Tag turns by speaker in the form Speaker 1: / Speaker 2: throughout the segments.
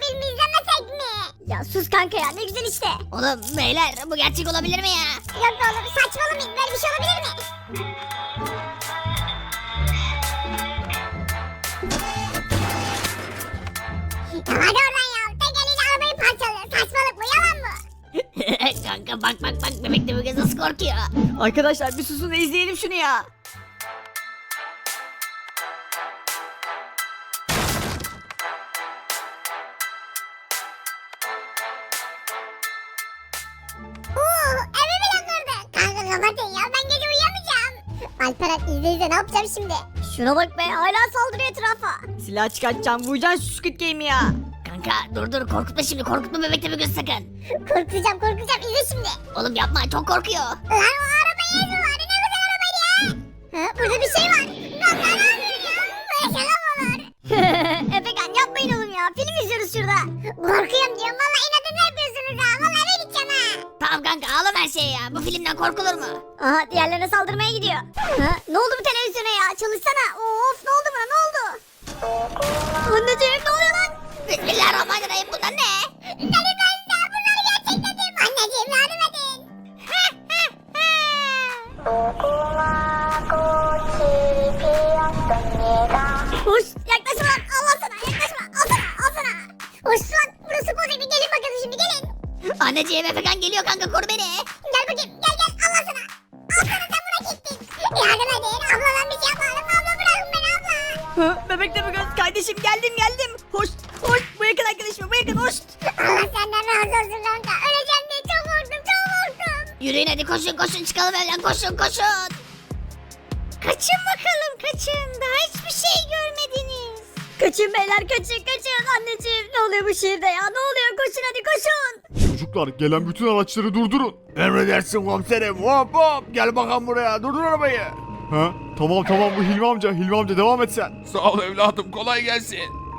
Speaker 1: filmi izlemesek mi? Ya sus kanka ya, ne güzel işte.
Speaker 2: Oğlum beyler bu gerçek olabilir mi ya?
Speaker 1: Yok oğlum, saçmalamayın, böyle bir şey olabilir mi? Ya hadi oradan ya, tek eliyle arabayı parçalıyor. Saçmalık bu, yalan mı?
Speaker 2: Kanka bak bebek de bu kız nasıl korkuyor.
Speaker 3: Arkadaşlar bir susun da izleyelim şunu ya.
Speaker 1: Eve bile kırdı. Kanka kapatın ya, ben gece uyuyamayacağım. Alperen izle ne yapacağım şimdi? Şuna bak be, hala saldırıyor etrafa.
Speaker 3: Silah çıkartacağım, vuracaksın şu Squid Game'i ya.
Speaker 2: Kanka dur korkutma şimdi, korkutma bebek de bu kız sakın.
Speaker 1: Korkacağım izle şimdi.
Speaker 2: Oğlum yapma, çok korkuyor.
Speaker 1: Lan o arabayı ezme var, ne güzel arabaydı ya. Ha, burada bir şey var. Lan ne yapıyorsun ya? Böyle şaka mı olur? Efekan yapmayın oğlum ya, film izliyoruz şurada. Korkuyorum diyorum, valla inadını yapıyorsunuz ha. Valla eve gideceğim ha.
Speaker 2: Tamam kanka, ağlama her şeye ya, bu filmden korkulur mu?
Speaker 1: Aha, diğerlerine saldırmaya gidiyor. Ha, ne oldu bu televizyona ya? Çalışsana. Of, ne oldu buna, ne oldu? Anneciğim, ne oluyor lan?
Speaker 2: Bismillahirrahmanirrahim, bunlar ne?
Speaker 1: Deli ben de bunları gerçekledim. Anneciğim, yardım edin. Hoş, yaklaşma lan, Allah sana, yaklaşma, al sana. Hoş lan, burası bozuk, bir gelin bakalım şimdi, gelin.
Speaker 2: Anneciğim Efekan geliyor kanka, koru beni.
Speaker 1: Gel bakayım, gel, Allah sana. Al sana, sen buna gittin. Yardım edin, abla ben bir şey yapmadım, abla bırakın beni abla.
Speaker 3: Hı, bebek de bu kız kardeşim, geldim. Hoş bu yakın arkadaşım, bu yakın hoş.
Speaker 1: Allah senden razı olsun kanka, öleceğim diye çok korktum.
Speaker 2: Yürüyün hadi, koşun çıkalım evden, koşun.
Speaker 1: Kaçın bakalım, kaçın, daha hiçbir şey görmediniz. Kaçın beyler, kaçın. Anneciğim, ne oluyor bu şehirde ya, ne oluyor, koşun hadi koşun.
Speaker 4: Çocuklar gelen bütün araçları durdurun.
Speaker 5: Emredersin komiserim. Hop gel bakalım buraya. Durdur arabayı.
Speaker 4: Ha? Tamam bu Hilmi amca devam et sen.
Speaker 5: Sağ ol evladım, kolay gelsin.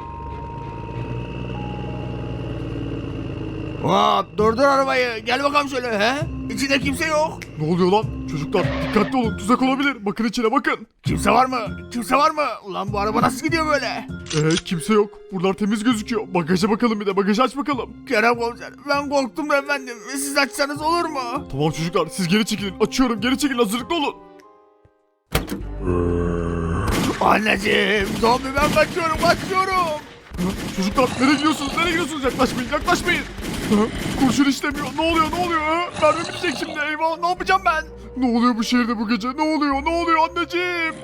Speaker 5: Hop durdur arabayı. Gel bakalım şöyle he. İçinde kimse yok.
Speaker 4: Ne oluyor lan? Çocuklar dikkatli olun, tuzak olabilir. Bakın içine bakın.
Speaker 5: Kimse var mı? Ulan bu araba nasıl gidiyor böyle?
Speaker 4: Kimse yok. Buralar temiz gözüküyor. Bagaja bakalım, bir de bagajı aç bakalım.
Speaker 5: Kerem komiser, ben korktum da efendim. Siz açsanız olur mu?
Speaker 4: Tamam çocuklar, siz geri çekilin. Açıyorum, geri çekilin, hazırlıklı olun.
Speaker 5: Anneciğim, zombi, ben kaçıyorum.
Speaker 4: Ha? Çocuklar nereye gidiyorsunuz? Yaklaşmayın. Ha? Kurşun işlemiyor. Ne oluyor? Ha? Mermi bitecek şimdi, eyvah, ne yapacağım ben? Ne oluyor bu şehirde bu gece? Ne oluyor anneciğim?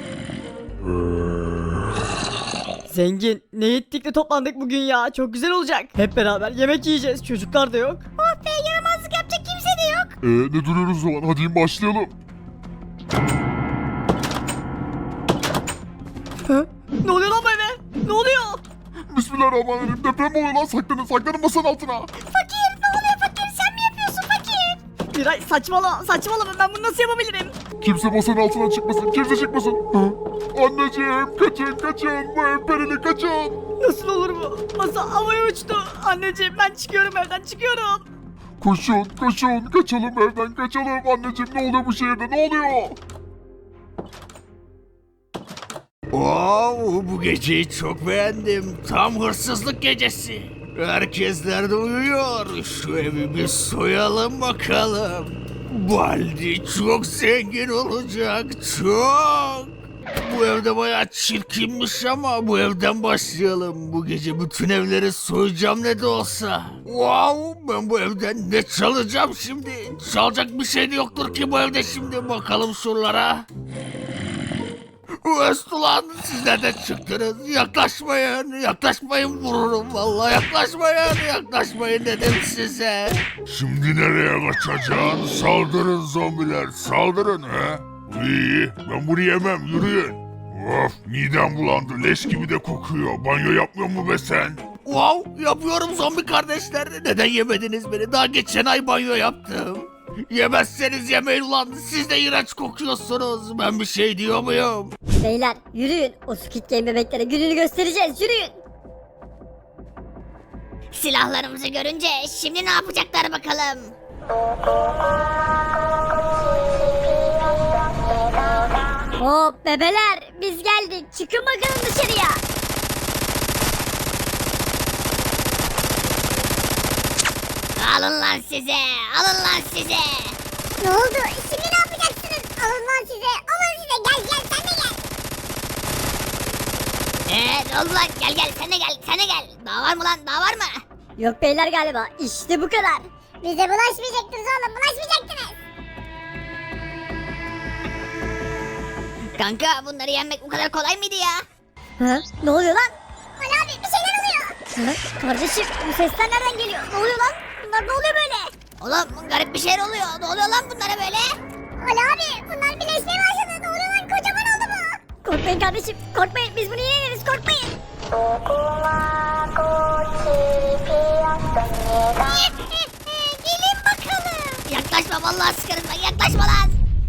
Speaker 3: Zengin, ne ettik de toplandık bugün ya, çok güzel olacak. Hep beraber yemek yiyeceğiz, çocuklar da yok.
Speaker 1: Oh be, yaramazlık yapacak kimse de yok.
Speaker 4: Ne duruyoruz o zaman? Hadi başlayalım.
Speaker 3: Ne oluyor lan bu eve? Ne oluyor?
Speaker 4: Bismillahirrahmanirrahim. Deprem mi oluyor lan? Saklanın masanın altına.
Speaker 1: Fakir, ne oluyor fakir, sen mi yapıyorsun fakir?
Speaker 3: Miray saçmalama, ben bunu nasıl yapabilirim?
Speaker 4: Kimse masanın altına çıkmasın. Anneciğim kaçın. Bu ev perili, kaçın.
Speaker 3: Nasıl olur bu? Masa havaya uçtu. Anneciğim ben çıkıyorum evden, çıkıyorum.
Speaker 4: Koşun. Kaçalım evden, kaçalım. Anneciğim ne oluyor bu şehirde? Ne oluyor?
Speaker 5: Bu geceyi çok beğendim. Tam hırsızlık gecesi. Herkesler de uyuyor. Şu evi bir soyalım bakalım. Baldi çok zengin olacak. Çok. Bu evde bayağı çirkinmiş ama bu evden başlayalım. Bu gece bütün evleri soyacağım ne de olsa. Ben bu evden ne çalacağım şimdi? Çalacak bir şey de yoktur ki bu evde şimdi. Bakalım şuralara. Ulan sizler de çıktınız. Yaklaşmayın vururum vallahi. Yaklaşmayın dedim size.
Speaker 4: Şimdi nereye kaçacaksın? Saldırın zombiler, saldırın he. İyi, ben bunu yemem, yürüyün. Of, midem bulandı, leş gibi de kokuyor. Banyo yapmıyor mu be sen?
Speaker 5: Yapıyorum zombi kardeşler. Neden yemediniz beni? Daha geçen ay banyo yaptım. Yemezseniz yemeyin ulan. Siz de iğrenç kokuyorsunuz. Ben bir şey diyor muyum?
Speaker 1: Beyler yürüyün, o Squid Game bebeklere gününü göstereceğiz, yürüyün.
Speaker 2: Silahlarımızı görünce şimdi ne yapacaklar bakalım.
Speaker 1: Hop bebeler, biz geldik, çıkın bakalım dışarıya.
Speaker 2: Alın lan size. Alın lan size.
Speaker 1: Ne oldu? Şimdi ne yapacaksınız? Alın lan size. Alın size. Gel sen de gel.
Speaker 2: Ne oldu lan? Gel sen de gel. Sen de gel. Daha var mı lan? Daha var mı?
Speaker 1: Yok beyler galiba. İşte bu kadar. Bize bulaşmayacaktınız oğlum. Bulaşmayacaktınız.
Speaker 2: Kanka bunları yenmek bu kadar kolay mıydı ya?
Speaker 1: Ha? Ne oluyor lan? Ali abi bir şeyler oluyor. Ha? Kardeşim bu sesler nereden geliyor? Ne oluyor lan? Bunlar ne oluyor böyle?
Speaker 2: Oğlum garip bir şeyler oluyor. Ne oluyor lan bunlara böyle?
Speaker 1: Ali abi bunlar birleşmeye başladı. Ne oluyor lan? Kocaman oldu bu. Korkmayın kardeşim. Korkmayın. Biz bunu yeneriz. Korkmayın.
Speaker 2: Gelin bakalım. Yaklaşma vallahi sıkarım ben. Yaklaşma lan.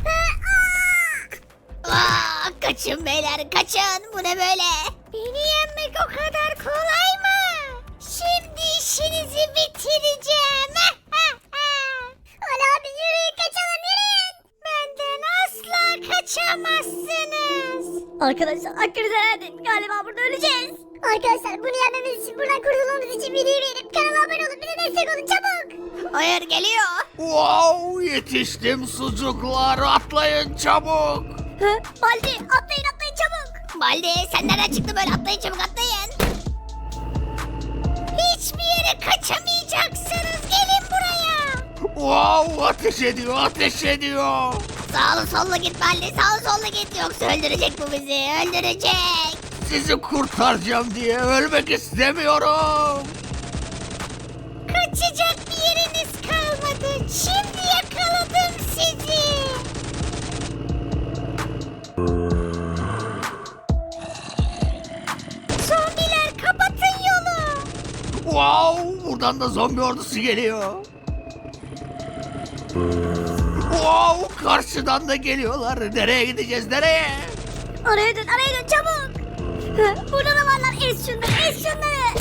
Speaker 2: Kaçın beyler kaçın. Bu ne böyle? Beni yenmek o kadar kolay mı? Şimdi işinizi bitireceğim.
Speaker 1: Ali abi yürüyün kaçalım yürüyün.
Speaker 2: Benden asla kaçamazsınız.
Speaker 1: Arkadaşlar hakkınızı helal edin. Galiba burada öleceğiz. Arkadaşlar bunu yenmemiz için buradan kurtulmamız için videoyu beğenip kanala abone olup bize destek olun çabuk.
Speaker 2: Hayır geliyor.
Speaker 5: Wow, yetiştim sucuklar, atlayın çabuk.
Speaker 1: Hı? Baldi atlayın çabuk.
Speaker 2: Baldi sen nereden çıktın böyle atlayın çabuk atlayın. Hiçbir yere kaçamayacaksınız gelin buraya.
Speaker 5: Wow, ateş ediyor.
Speaker 2: Sağlı sollu git Baldi sağlı sollu git yoksa öldürecek bu bizi öldürecek.
Speaker 5: Sizi kurtaracağım diye ölmek istemiyorum.
Speaker 2: Kaçacak bir yeriniz kalmadı. Şimdi yakaladım sizi. Zombiler kapatın yolu.
Speaker 5: Wow, buradan da zombi ordusu geliyor. Wow, karşıdan da geliyorlar. Nereye gideceğiz, nereye?
Speaker 1: Araya dön çabuk. Hı? Burada da varlar ez şunları.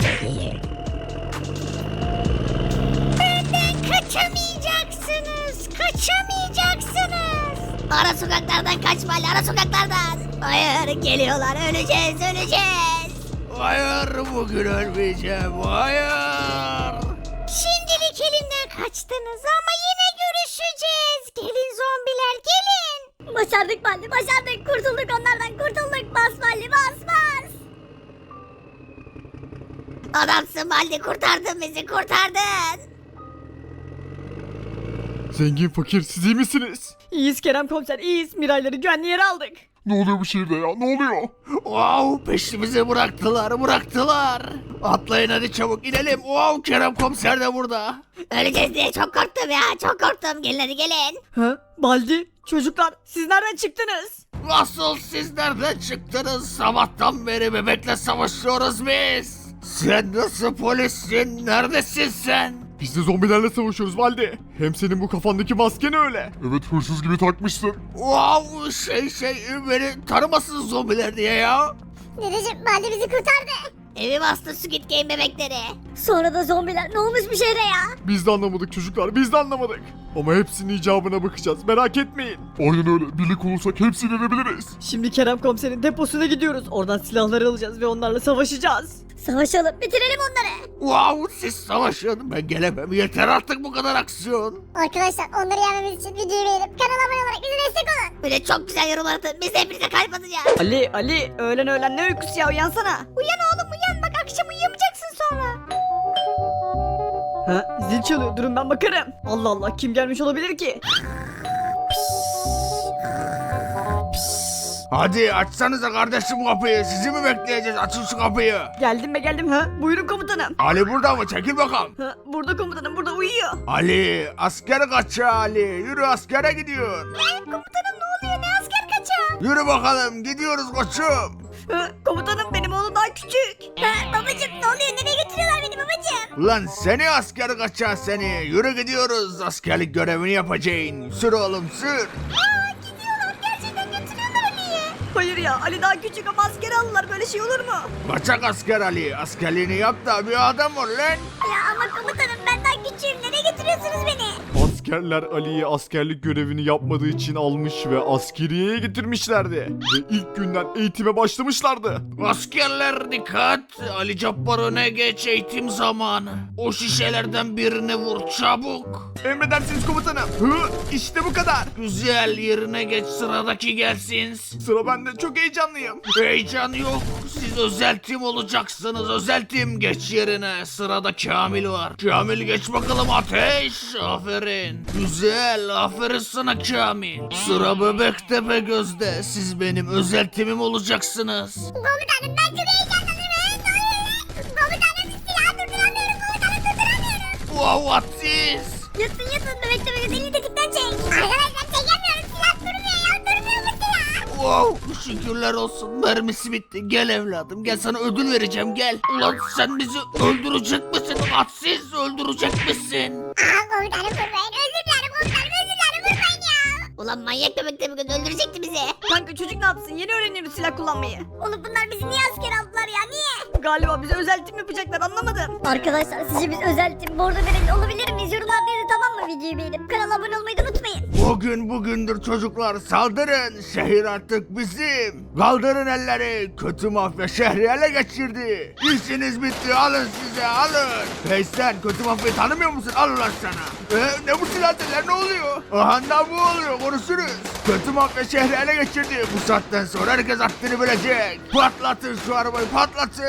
Speaker 2: Benden kaçamayacaksınız. Kaçamayacaksınız. Ara sokaklardan kaçma ara sokaklardan. Hayır geliyorlar öleceğiz.
Speaker 5: Hayır, bugün ölmeyeceğim. Hayır.
Speaker 2: Şimdilik elimden kaçtınız ama yine görüşeceğiz. Gelin zombiler gelin.
Speaker 1: Başardık Baldi başardık. Kurtulduk onlardan kurtulduk. Bas Baldi bas.
Speaker 2: Adamsın Baldi kurtardın bizi kurtardın.
Speaker 4: Zengin fakir siz iyi misiniz?
Speaker 3: İyiyiz Kerem komiser iyiyiz. Mirayları güvenli yere aldık.
Speaker 4: Ne oluyor bu şehirde ya ne oluyor?
Speaker 5: Wow, peşimizi bıraktılar. Atlayın hadi çabuk inelim. Wow, Kerem komiser de burada.
Speaker 2: Öleceğiz diye çok korktum ya çok korktum. Gelin hadi gelin.
Speaker 3: Ha? Baldi çocuklar siz nereden çıktınız?
Speaker 5: Nasıl siz nereden çıktınız? Sabahtan beri bebekle savaşıyoruz biz. Sen nasıl polissin? Neredesin sen?
Speaker 4: Biz de zombilerle savaşıyoruz Valdi. Hem senin bu kafandaki masken öyle. Evet hırsız gibi takmışsın.
Speaker 5: Wow, beni tanımasın zombiler diye ya.
Speaker 1: Dedeciğim Baldi bizi kurtardı.
Speaker 2: Evi bastı Squid Game bebekleri.
Speaker 1: Sonra da zombiler ne olmuş bu şehre ya?
Speaker 4: Biz de anlamadık çocuklar biz de anlamadık. Ama hepsinin icabına bakacağız merak etmeyin. Aynen öyle birlik olursak hepsini edebiliriz.
Speaker 3: Şimdi Kerem komiserin deposuna gidiyoruz. Oradan silahları alacağız ve onlarla savaşacağız.
Speaker 1: Savaşalım bitirelim onları.
Speaker 5: Wow, siz savaşın, ben gelemem. Yeter artık bu kadar aksiyon.
Speaker 1: Arkadaşlar onları yenmemiz için videoyu beğenip kanala abone olarak bize destek olun.
Speaker 2: Bir de çok güzel yorumlar atın. Biz de hepinize kalp atacağız.
Speaker 3: Ali öğlen ne uykusu ya uyansana.
Speaker 2: Uyan oğlum uyan bak akşam uyuyamayacaksın sonra.
Speaker 3: Ha zil çalıyor durun ben bakarım. Allah Allah kim gelmiş olabilir ki?
Speaker 5: Hadi açsanıza kardeşim kapıyı. Sizi mi bekleyeceğiz? Açın şu kapıyı.
Speaker 3: Geldim ha buyurun komutanım.
Speaker 5: Ali burada mı? Çekil bakalım.
Speaker 3: Ha, burada komutanım burada uyuyor.
Speaker 5: Ali, asker kaçıyor Ali. Yürü askere gidiyor.
Speaker 2: Komutanım ne oluyor ne asker kaçağı?
Speaker 5: Yürü bakalım gidiyoruz koçum.
Speaker 3: Ha, komutanım benim oğlum daha küçük.
Speaker 1: Babacım ne oluyor nereye götürüyorlar beni babacım?
Speaker 5: Lan seni asker kaçağı seni. Yürü gidiyoruz. Askerlik görevini yapacaksın. Sür oğlum sür.
Speaker 2: Gidiyorlar gerçekten götürüyorlar Ali'yi.
Speaker 3: Hayır ya Ali daha küçük ama askere alırlar böyle şey olur mu?
Speaker 5: Kaçak asker Ali. Askerliğini yap da bir adam ol lan.
Speaker 1: Ya ama komutanım ben daha küçüğüm nereye götürüyorsunuz beni?
Speaker 4: Asker Askerler Ali'yi askerlik görevini yapmadığı için almış ve askeriyeye getirmişlerdi. Ve ilk günden eğitime başlamışlardı.
Speaker 5: Askerler dikkat! Ali Cabbar öne geç, eğitim zamanı. O şişelerden birini vur çabuk.
Speaker 4: Emredersiniz komutanım. İşte bu kadar.
Speaker 5: Güzel, yerine geç, sıradaki gelsin.
Speaker 4: Sıra bende, çok heyecanlıyım.
Speaker 5: Heyecan yok. Siz özel tim olacaksınız. Özel tim, geç yerine. Sırada Kamil var. Kamil geç bakalım, ateş. Aferin. Güzel, aferin sana Kamil. Sıra Bebektepe Göz'de. Siz benim özel timim olacaksınız.
Speaker 1: Komutanım ben çok heyecanlandım. Ne oluyor? Komutanım silahı durduramıyorum. Komutanım durduramıyorum.
Speaker 5: Wow, ateş.
Speaker 1: Yatın bebekte elini tetikten çek. Arkadaşlar çekemiyorum. Silah durmuyor ya. Durmuyor bu silah.
Speaker 5: Wow, şükürler olsun. Mermisi bitti. Gel evladım, gel, sana ödül vereceğim, gel. Ulan sen bizi öldürecek misin? Atsiz, öldürecek misin?
Speaker 1: Komutanım vurmayın. Özür dilerim komutanım. Özür dilerim vurmayın ya.
Speaker 2: Ulan manyak bebekte bir gün öldürecekti bizi.
Speaker 3: Kanka çocuk ne yapsın? Yeni öğreniyoruz silah kullanmayı.
Speaker 1: Oğlum bunlar bizi niye asker aldılar ya? Niye?
Speaker 3: Galiba bize özel tim yapacaklar, anlamadım.
Speaker 1: Arkadaşlar sizce biz özel tim bordo verelim olabilir miyiz? Yorumlarda yazın, tamam mı? Videoyu beğenip kanala abone olmayı da unutmayın.
Speaker 5: Bugün bugündür çocuklar, saldırın. Şehir artık bizim. Kaldırın elleri. Kötü mafya şehri ele geçirdi. İşiniz bitti, alın size, alın. Hey sen, kötü mafyayı tanımıyor musun? Al ulan sana. Ne bu silahlar, ne oluyor? Aha da bu oluyor, konuşuruz. Kötü mafya şehri ele geçirdi. Bu saatten sonra herkes haddini bilecek. Patlatın şu arabayı, patlatın.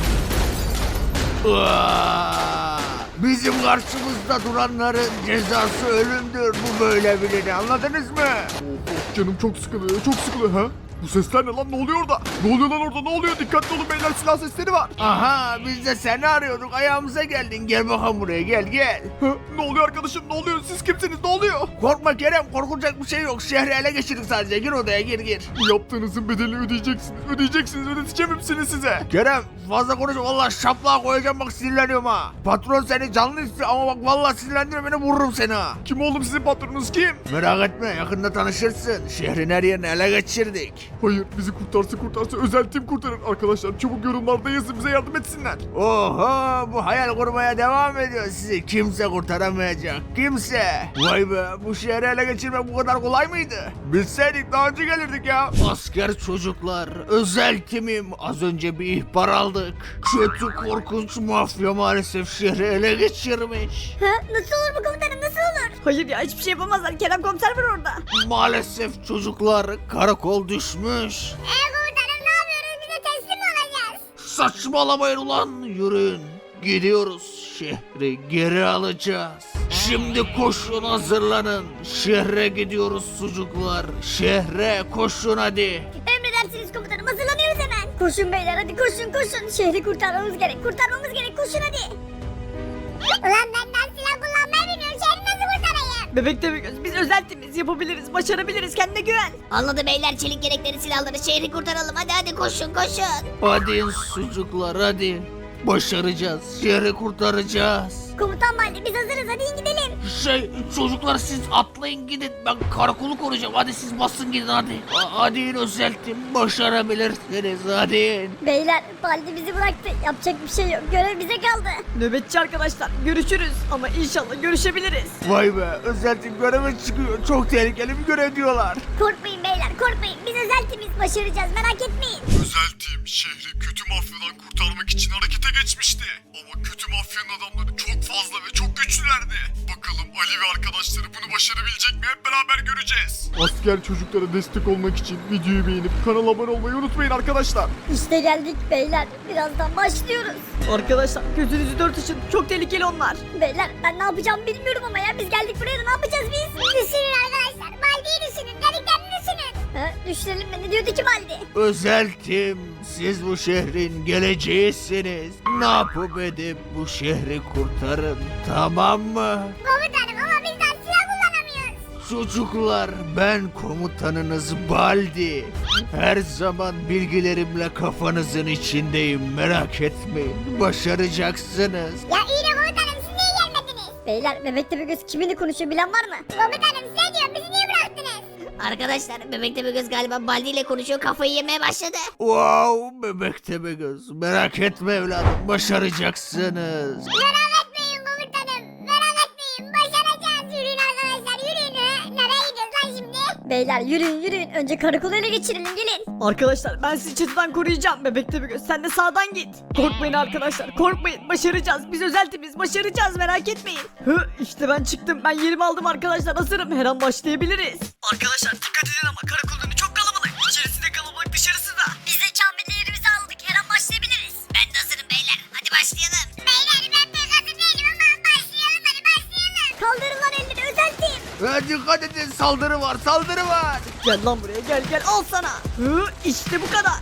Speaker 5: Bizim karşımızda duranların cezası ölümdür. Bu böyle bilini, anladınız mı?
Speaker 4: Canım çok sıkılıyor, çok sıkılıyor. Ha? Bu sesler ne lan? Ne oluyor orada? Ne oluyor lan orada? Ne oluyor? Dikkatli olun beyler, silah sesleri var.
Speaker 5: Aha, biz de seni arıyorduk, ayağımıza geldin. Gel bakalım buraya, gel gel.
Speaker 4: Ha? Ne oluyor arkadaşım? Ne oluyor? Siz kimsiniz? Ne oluyor?
Speaker 5: Korkma Kerem, korkulacak bir şey yok. Şehri ele geçirdik sadece. Gir odaya, gir.
Speaker 4: Bu yaptığınızın bedelini ödeyeceksiniz. Ödeyeceksiniz. Ödeteceğim hepsini size.
Speaker 5: Kerem, fazla konuşma, vallahi şaplığa koyacağım, bak sinirleniyorum ha. Patron seni canlı istiyor ama bak vallahi sinirlendirme beni, vururum seni ha.
Speaker 4: Kim oğlum sizin patronunuz kim?
Speaker 5: Merak etme, yakında tanışırsın. Şehrin her yerini ele geçirdik.
Speaker 4: Hayır, bizi kurtarsa özel tim kurtarır. Arkadaşlar çabuk yorumlarda yazın, bize yardım etsinler.
Speaker 5: Oho, bu hayal kurmaya devam ediyor. Sizi kimse kurtaramayacak. Kimse. Vay be, bu şehri ele geçirmek bu kadar kolay mıydı? Bilseydik daha önce gelirdik ya. Asker çocuklar, özel timim. Az önce bir ihbar aldık. Kötü korkunç mafya maalesef şehri ele geçirmiş.
Speaker 1: Nasıl olur bu komutanım, nasıl olur?
Speaker 3: Hayır ya, hiçbir şey yapamazlar. Kerem komiser var orada.
Speaker 5: Maalesef çocuklar, karakol düşmüş.
Speaker 1: Komutanım ne yapıyoruz? Bize teslim mi olacağız?
Speaker 5: Saçmalamayın ulan, yürüyün. Gidiyoruz, şehri geri alacağız. Şimdi koşun, hazırlanın. Şehre gidiyoruz çocuklar. Şehre koşun hadi.
Speaker 1: Emredersiniz komutanım, hazırlanıyoruz hemen. Koşun beyler, hadi koşun. Şehri kurtarmamız gerek, koşun hadi. Ulan ben daha silah kullanmayı bilmiyorum. Şehri nasıl kurtarayım?
Speaker 3: Bebekte bir göz. Biz özel timiz. Yapabiliriz, başarabiliriz. Kendine güven.
Speaker 2: Anladı beyler, çelik gerekleri silahları, şehri kurtaralım. Hadi koşun.
Speaker 5: Hadi çocuklar, hadi. Başaracağız. Şehri kurtaracağız.
Speaker 1: Komutan Baldi biz hazırız, hadi gidelim.
Speaker 5: Çocuklar siz atlayın gidin. Ben karakolu koruyacağım. Hadi siz basın gidin hadi. Hadi in özeltim. Başarabilirsiniz. Hadi in.
Speaker 1: Beyler Baldi bizi bıraktı. Yapacak bir şey yok. Görev bize kaldı.
Speaker 3: Nöbetçi arkadaşlar. Görüşürüz. Ama inşallah görüşebiliriz.
Speaker 5: Vay be, özeltim göreve çıkıyor. Çok tehlikeli bir görev diyorlar.
Speaker 1: Korkmayın beyler, korkmayın. Biz özel timiz, başaracağız, merak etmeyin.
Speaker 4: Özel tim şehri kötü mafyadan kurtarmak için harekete geçmişti. Ama kötü mafyanın adamları çok fazla ve çok güçlülerdi. Bakalım Ali ve arkadaşları bunu başarabilecek mi? Hep beraber göreceğiz. Asker çocuklara destek olmak için videoyu beğenip kanala abone olmayı unutmayın arkadaşlar.
Speaker 1: İşte geldik beyler. Birazdan başlıyoruz.
Speaker 3: Arkadaşlar gözünüzü dört açın. Çok tehlikeli onlar.
Speaker 1: Beyler ben ne yapacağımı bilmiyorum ama ya biz geldik buraya da ne yapacağız biz? Düşünün arkadaşlar. Baldi'yi düşünün. Dediklerini düşünün. Düşünelim mi? Ne diyordu ki Baldi?
Speaker 5: Özeltim, siz bu şehrin geleceğisiniz. Ne yapıp edip bu şehri kurtarın, tamam mı?
Speaker 1: Komutanım ama biz daha silah kullanamıyoruz.
Speaker 5: Çocuklar, ben komutanınız Baldi. Her zaman bilgilerimle kafanızın içindeyim, merak etmeyin. Başaracaksınız.
Speaker 1: Ya iyi de komutanım siz niye gelmediniz? Beyler bebekte bir göz kiminle konuşuyor bilen var mı? Komutanım size diyorum bizi niye bıraktınız?
Speaker 2: Arkadaşlar bebekte bir göz galiba Baldi ile konuşuyor, kafayı yemeye başladı.
Speaker 5: Wow, bebekte be göz. Merak etme evladım, başaracaksınız.
Speaker 1: Merak etmeyin komutanım. Merak etmeyin. Başaracağız. Yürüyün arkadaşlar Beyler yürüyün önce karakolu ele geçirelim gelin.
Speaker 3: Arkadaşlar ben sizi çatıdan koruyacağım. Bebek Tepegöz sen de sağdan git. Korkmayın arkadaşlar korkmayın. Başaracağız. Biz özel timiz başaracağız merak etmeyin. İşte ben çıktım. Ben yerimi aldım arkadaşlar. Hazırım. Her an başlayabiliriz. Arkadaşlar dikkat edin ama karakol önü çok kalabalık. İçerisi de kalabalık dışarısı da.
Speaker 1: Biz de Kamil'le yerimizi aldık her an başlayabiliriz.
Speaker 2: Ben de hazırım beyler. Hadi başlayalım.
Speaker 1: Beyler ben pek hazır değilim ama başlayalım hadi başlayalım. Kaldırın lan elleri özel tim.
Speaker 5: Dikkat edin saldırı var saldırı var.
Speaker 3: Gel lan buraya gel al sana. İşte bu kadar.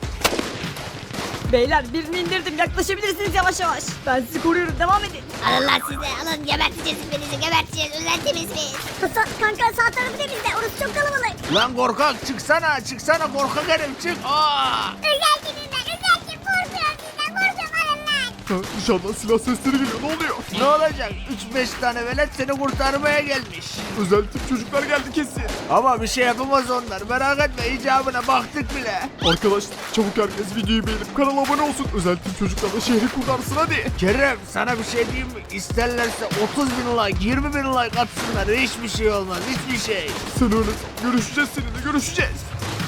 Speaker 3: Beyler birini indirdim yaklaşabilirsiniz yavaş yavaş. Ben sizi koruyorum devam edin.
Speaker 2: Alın lan siz de alın geberteceğiz hepinizi geberteceğiz. Özel temiz biz.
Speaker 1: Hasan kanka sağ tarafı temizle orası çok kalabalık.
Speaker 5: Lan korkak çıksana korkak herif çık.
Speaker 1: Özel timim ben özel tim korkuyorum sizden korkuyorum alın lan.
Speaker 4: Dışarıdan silah sesleri geliyor. Ne oluyor?
Speaker 5: Ne olacak 3-5 tane velet seni kurtarmaya gelmiş.
Speaker 4: Özel tip çocuklar geldi kesin.
Speaker 5: Ama bir şey yapamaz onlar merak etme icabına baktık bile.
Speaker 4: Arkadaşlar çabuk herkes videoyu beğenip kanala abone olsun. Özel tip çocuklar da şehri kurtarsın hadi.
Speaker 5: Kerem sana bir şey diyeyim mi? İsterlerse 30.000 like 20.000 like atsınlar hiçbir şey olmaz hiçbir şey.
Speaker 4: Sen öyle san. Görüşeceğiz seninle görüşeceğiz.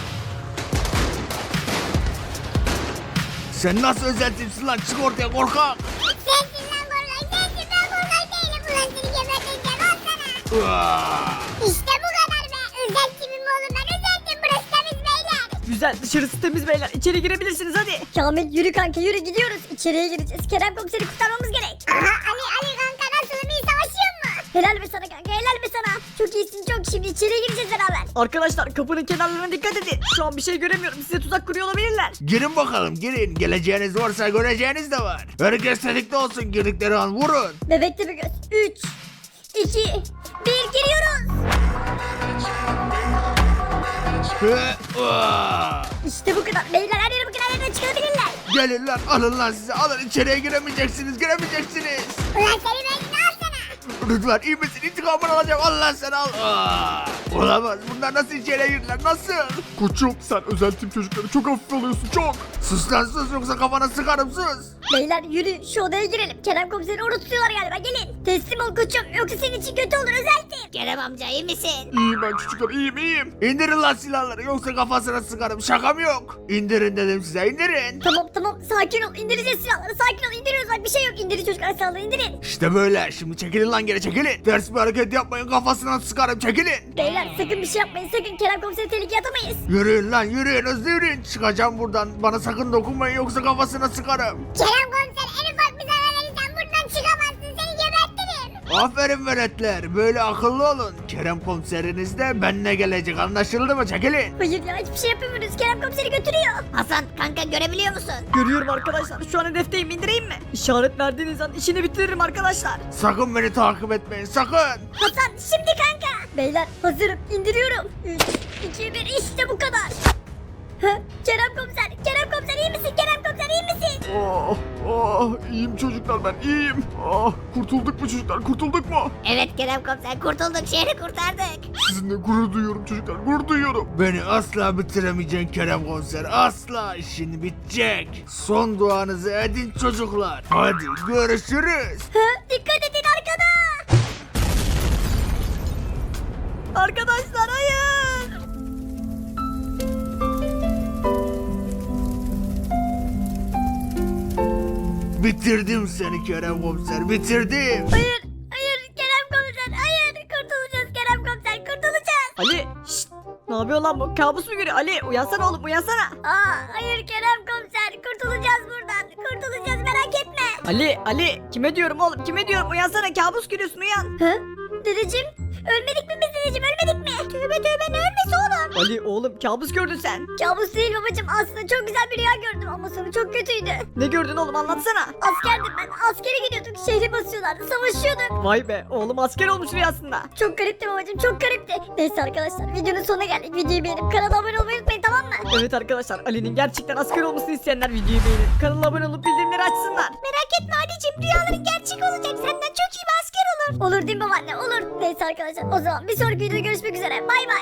Speaker 5: Sen nasıl özel tipsin lan çık ortaya korkak.
Speaker 1: Sensin lan korkak sensin ben korkak değilim. Ulan seni geberteceğim al sana. İşte bu kadar be. Özel timim oğlum ben özel tim burası temiz beyler.
Speaker 3: Güzel dışarısı temiz beyler. İçeri girebilirsiniz hadi.
Speaker 1: Kamil yürü kanka yürü gidiyoruz. İçeriye gireceğiz. Kerem komiseri kurtarmamız gerek. Aha Ali kanka nasılım iyi savaşıyor mu? Helal be sana kanka helal be sana. Çok iyisin çok şimdi içeriye gireceğiz beraber.
Speaker 3: Arkadaşlar kapının kenarlarına dikkat edin. Şu an bir şey göremiyorum. Size tuzak kuruyor olabilirler.
Speaker 5: Girin bakalım girin geleceğiniz varsa göreceğiniz de var. Herkes tetikte olsun girdikleri an vurun.
Speaker 1: Bebekte bir göz. 3, 2, 1 giriyoruz. İşte bu kadar. Beyler her yere bakın her yerden çıkabilirler.
Speaker 5: Gelin lan alın lan size alın içeriye giremeyeceksiniz.
Speaker 1: Ulan seni ben ne al sana?
Speaker 5: Lütfen iyi misin intikamını alacağım Allah sen al. Olamaz bunlar nasıl içeriye girdiler nasıl?
Speaker 4: Koçum sen özel tip çocukları çok hafif alıyorsun çok.
Speaker 5: Sus lan sus yoksa kafana sıkarım sus.
Speaker 1: Beyler yürü şu odaya girelim. Kerem komiseri orada tutuyorlar galiba gelin. Teslim ol koçum yoksa senin için kötü olur özeltim.
Speaker 2: Kerem amca iyi misin?
Speaker 4: İyiyim ben çocuklar iyiyim.
Speaker 5: İndirin lan silahları yoksa kafasına sıkarım şakam yok. İndirin dedim size indirin.
Speaker 1: Tamam sakin ol indireceğiz silahları sakin ol indiriyoruz bak bir şey yok indirin çocuklar silahları indirin.
Speaker 5: İşte böyle şimdi çekilin lan geri çekilin. Ters bir hareket yapmayın kafasına sıkarım çekilin.
Speaker 1: Beyler sakın bir şey yapmayın sakın Kerem komiseri tehlikeye atamayız.
Speaker 5: Yürüyün lan yürüyün hızlı yürüyün. Çıkacağım buradan bana sakın dokunmayın yoksa kafasına sıkarım.
Speaker 1: Kerem komiser en ufak bir zarar verirsen buradan çıkamazsın seni gebertirim.
Speaker 5: Aferin veletler böyle akıllı olun. Kerem komiseriniz de benimle gelecek anlaşıldı mı çekilin.
Speaker 1: Hayır ya hiçbir şey yapamıyoruz Kerem komiseri götürüyor.
Speaker 2: Hasan kanka görebiliyor musun?
Speaker 3: Görüyorum arkadaşlar. Şu an hedefteyim indireyim mi? İşaret verdiğiniz an işini bitiririm arkadaşlar.
Speaker 5: Sakın beni takip etmeyin sakın.
Speaker 1: Hasan şimdi kanka. Beyler hazırım indiriyorum. 3, 2, 1 işte bu kadar. Kerem komiser iyi misin Kerem komiser iyi misin?
Speaker 4: İyiyim çocuklar ben iyiyim. Kurtulduk mu çocuklar kurtulduk mu?
Speaker 2: Evet Kerem komiser kurtulduk şehri kurtardık.
Speaker 4: Sizinle gurur duyuyorum çocuklar gurur duyuyorum.
Speaker 5: Beni asla bitiremeyeceksin Kerem komiser asla işin bitecek. Son duanızı edin çocuklar. Hadi görüşürüz.
Speaker 1: Dikkat edin arkada.
Speaker 3: Arkadaşlar hayır.
Speaker 5: Bitirdim seni Kerem komiser bitirdim.
Speaker 1: Hayır Kerem komiser hayır kurtulacağız Kerem komiser kurtulacağız.
Speaker 3: Ali şşt. Ne yapıyor lan bu? Kabus mu görüyor? Ali uyansana oğlum uyansana.
Speaker 1: Hayır Kerem komiser kurtulacağız buradan kurtulacağız merak etme.
Speaker 3: Ali kime diyorum oğlum kime diyorum uyansana kabus görüyorsun uyan.
Speaker 1: Dedeciğim ölmedik mi biz dedeciğim ölmedik mi? Tövbe ne ölmesi oğlum?
Speaker 3: Ali oğlum kabus gördün sen.
Speaker 1: Kabus değil babacığım aslında çok güzel bir rüya gördüm ama sonu çok kötüydü.
Speaker 3: Ne gördün oğlum anlatsana.
Speaker 1: Askerdim ben askere gidiyorduk şehri basıyorlardı savaşıyorduk.
Speaker 3: Vay be oğlum asker olmuş rüyasında.
Speaker 1: Çok garipti babacığım çok garipti. Neyse arkadaşlar videonun sonuna geldik. Videoyu beğenip kanala abone olmayı unutmayın tamam mı?
Speaker 3: Evet arkadaşlar Ali'nin gerçekten asker olmasını isteyenler videoyu beğenip kanala abone olup bildirimleri açsınlar.
Speaker 1: Merak etme Ali'cim rüyaların gerçek olacak. Senden çok iyi bir asker olur. Olur değil mi babaanne olur. Neyse arkadaşlar o zaman bir sonraki videoda görüşmek üzere. Bay bay.